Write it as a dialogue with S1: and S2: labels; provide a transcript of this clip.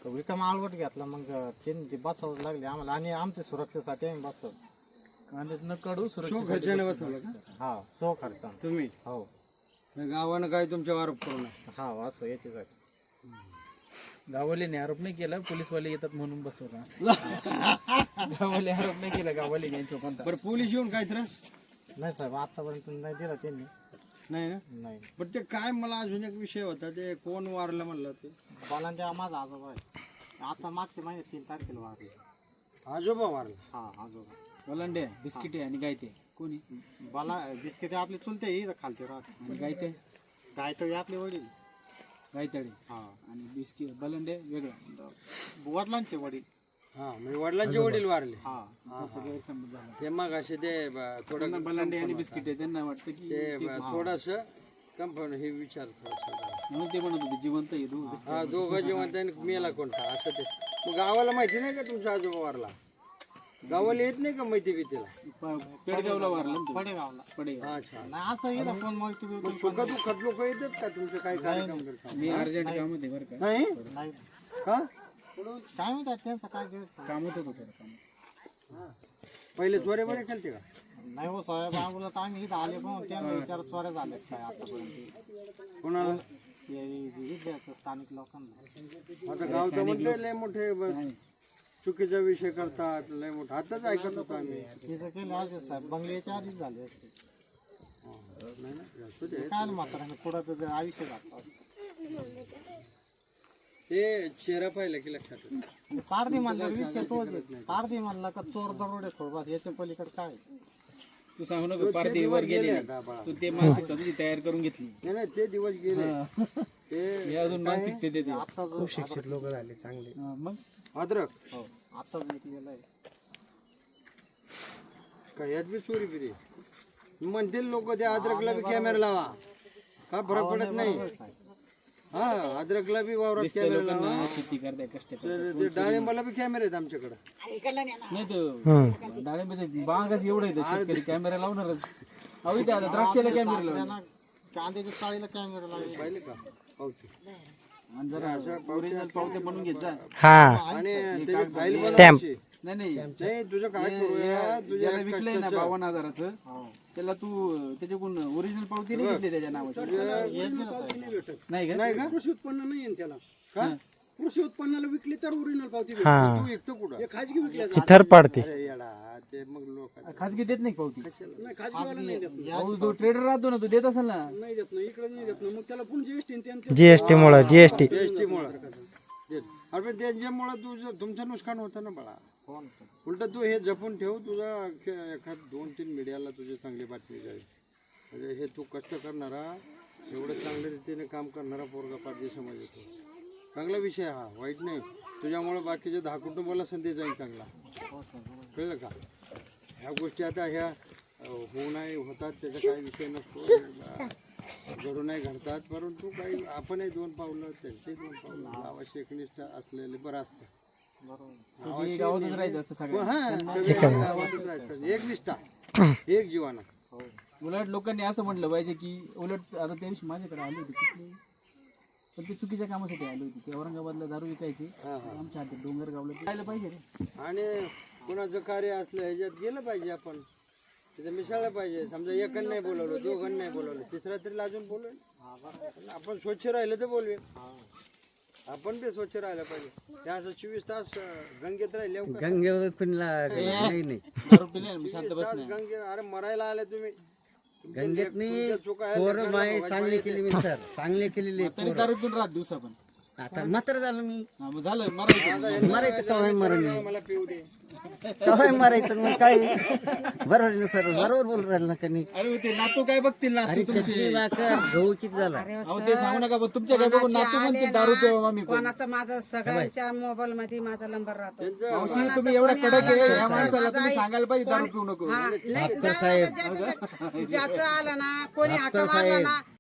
S1: विक्रम आळवट घेतला मग ते बसवावं लागले आम्हाला आणि आमच्या सुरक्षेसाठी आम्ही बसवलं
S2: कांदेच न काढू
S3: शो खर्चाने बसवलं का
S1: हा सो खर्च
S3: तुम्ही
S1: हो
S3: गावानं काय तुमच्यावर आरोप करू नये.
S1: हा असं याच्यासाठी
S2: गाववाल्याने आरोप नाही केला, पोलीसवाले येतात म्हणून बसवलं असं. गाववाले आरोप नाही केला, गाववाले यांच्या कोणता.
S3: बरं पोलीस येऊन काय त्रास
S1: नाही साहेब आतापर्यंत नाही दिला त्यांनी
S3: नाही ना.
S1: नाही
S3: पण ते काय मला अजून एक विषय होता ते कोण वारलं म्हणलं ते
S1: बालांच्या माझा आजोबा आहे आता मागच्या महिन्यात 3 तारखेला वारले
S3: आजोबा वारला.
S1: हा आजोबा
S2: वलांडे बिस्किट आणि गायते कोणी
S1: बाला बिस्किट आपले चुलते इथं खालचे राहते
S2: आणि गायते
S1: गायतळी आपले वडील
S2: गायतळे
S1: हा
S2: आणि बिस्किट बलंडे वेगळं.
S1: वडिलांचे वडील
S3: हा म्हणजे वडिलांचे वडील वारले.
S1: हा
S2: गैरसमज झाला.
S3: ते मग असे ते थोडं
S2: त्यांना बलांडे आणि बिस्किट आहे, त्यांना वाटतं की
S3: ते थोडस कंपन हे विचार थोडंसं.
S2: म्हणून ते म्हणत होते जिवंत आहे तू.
S3: हा दोघं जेवण त्याने मेला कोणता असं ते. मग गावाला माहिती नाही का तुमचा आजोबा वारला? गावाला येत नाही का माहिती भीतीला?
S2: पेडगावला वारलं ना तू.
S1: पडेगावला
S2: पडेगाव.
S3: अच्छा.
S1: नाही असं इथं फोन
S3: मग
S1: मल्टी
S3: सुखा दुःखात लोक येतात का तुमचे काय कार्यक्रम करतात?
S2: मी अर्जंट काम होते बरं का.
S3: नाही
S1: नाही
S3: का?
S1: काय म्हणतात त्यांचं काय गैरसमज?
S2: काम होतं थोडं काम.
S3: पहिले चोरे बरे खेळते का?
S1: नाही हो साहेब आम्हाला तर आम्ही इथं आले पण त्यांना विचार चोऱ्या झाल्यात काय आतापर्यंत
S3: कोणाला?
S1: इथल्या स्थानिक लोकांना
S3: आता गाव तर म्हणते लय मोठे चुकीचा विषय करतात लय मोठा. आताच ऐकत होतो आम्ही.
S1: तिथं केलं असे साहेब बंगल्याच्या आधीच झाले असते
S3: नाही ना, असू दे.
S1: काय मात्र पुढं तर आयुष्य जातात
S3: ते चेहरा पाहिला की लक्षात येतं.
S1: पारधी म्हणलं विषय तोच पारधी म्हणला का चोर दरोडे खोडबास याच्या पलीकडे काय
S2: तू सांगू नको पारदेवर गेले तू ते मानसिकता तुझी तयार करून घेतली.
S3: नाही नाही ते दिवस गेले. ते
S2: हे अजून मानसिकते देते.
S1: आता खूप शिक्षित लोक झाले चांगले
S2: मग
S3: अद्रक
S1: हो आताच निघलेलं आहे
S3: काय यात बी चोरी बिरी म्हणतील लोक ते अद्रकला बी कॅमेरा लावा का फरक पडत नाही. हा अद्रकला बी वावरात कॅमेरा लावा.
S2: लोकांना शेती करताय कष्ट करताय.
S3: ते डाळिंबाला बी कॅमेरे आहेत आमच्याकडे.
S2: नाही तर डाळिंबाचे बागाच एवढं आहे शेतकरी कॅमेरा लावणारच. अहो इथे आता द्राक्षाला कॅमेरा लावणार.
S1: कांद्याच्या चाळीला कॅमेरा लागले
S3: पाहिले का? ओके.
S2: आणि जरा ओरिजिनल पावते बनवून घेत जा.
S3: आणि त्याची फाईल बनवायची.
S2: नाही नाही
S3: नाही तुझं काय करूया तुझ्या
S2: ज्याला विकलंय ना 52,000चं त्याला तू त्याच्याकडून ओरिजिनल पावती नाही घेतली त्याच्या नावाची. नाही का?
S3: नाही का?
S4: कृषी उत्पन्न नाही आहे त्याला.
S3: का?
S4: कृषी उत्पन्नाला विकली तर ओरिजिनल पावती भेटते.
S3: तू विकतो कुठं?
S4: हे खाजगी विकल्या
S5: थर पाडते.
S3: अरे येडा ते मग लोक
S2: खाजगी देत नाही का पावती?
S4: नाही खाजगीवाला नाही देत ना.
S2: अहो, तो ट्रेडर राहतो ना, तो देत असेल ना.
S4: नाही देत ना इकडे नाही देत ना मग त्याला पुन्हा जीएसटी
S5: जीएसटी मुळे जीएसटी
S3: जीएसटी मुळे. अरे पण त्यांच्यामुळे तुझं तुमचं नुकसान होतं ना बाळा. उलट तू हे जपून ठेव. तुझा एखाद 2-3 मीडियाला तुझी चांगली बातमी जाईल. म्हणजे हे तू कष्ट करणारा एवढं चांगल्या रीतीने काम करणारा पोरगा पारधी समाज येतो. चांगला विषय हा वाईट नाही. तुझ्यामुळे बाकीच्या 10 कुटुंबाला संधी जाईल चांगला. कळलं का? ह्या गोष्टी आता ह्या होऊ नाही होतात त्याचा काही विषय नसतो. घडू नाही घडतात परंतु काही आपणही 2 पावलं त्यांचे 2 पावलं लावाशी एकनिष्ठ असलेले बरं असतं.
S2: ते गावातच राहायचं असतं सगळं.
S3: हा सगळे गावातच राहायचं. एक निष्ठा एक जीवाना.
S2: उलट लोकांनी असं म्हटलं पाहिजे की उलट आता त्या दिवशी माझ्याकडे आले होते कुठले पण ते चुकीच्या कामासाठी आले होते. ते औरंगाबादला दारू विकायचे आमच्या हातात डोंगरगावला जायला पाहिजे रे.
S3: आणि कुणाचं कार्य असलं ह्याच्यात गेलं पाहिजे. आपण तिथं मिसळलं पाहिजे. समजा एकन नाही बोलवलं 2 नाही बोलवलं 3रा तरी लाजून बोलवेल. आपण स्वच्छ राहिलं तर बोलवे. आपण बी स्वच्छ राहायला पाहिजे. हे असं 24 तास गंगेत राहिले
S5: गंगेवर कुणला नाही
S2: दारू पिले मी शांत बस नाही.
S3: गंगे अरे मरायला आले तुम्ही.
S5: गंगेतनी
S3: चुका आहेत,
S5: पोरं
S3: लेकरांना
S5: माय
S3: बघायला
S5: चांगले
S3: पाहिजे.
S5: केले मी सर चांगले केलेले
S2: तरी दारू पिऊन राहत दिवसा पण.
S5: आता मात्र झालं मी
S2: हा, मग झालं मरायचं.
S5: मरायचं कवाय मरण
S3: मला पिऊ दे.
S5: कवाय मरायचं मग काय बरोबर ना सर बरोबर बोल राहिलं ना कनी.
S2: अरे ते नातू काय बघतील नातू
S5: अरे
S2: तुमचे.
S5: चटणी भाकर गहू किती झाला
S2: अहो ते सांगू नका बघ, तुमच्या काय बघून नातू म्हणते दारू पिवा मामी पण.
S6: कोणाचा माझा सगळ्यांच्या मोबाईल मध्ये माझा नंबर राहतो.
S2: मावशी तुम्ही एवढा कडक आहे या माणसाला तुम्ही सांगायला पाहिजे दारू पिऊ नको.
S6: हा, नाही, ज्याचं आलं ना कोणी हाका मारला ना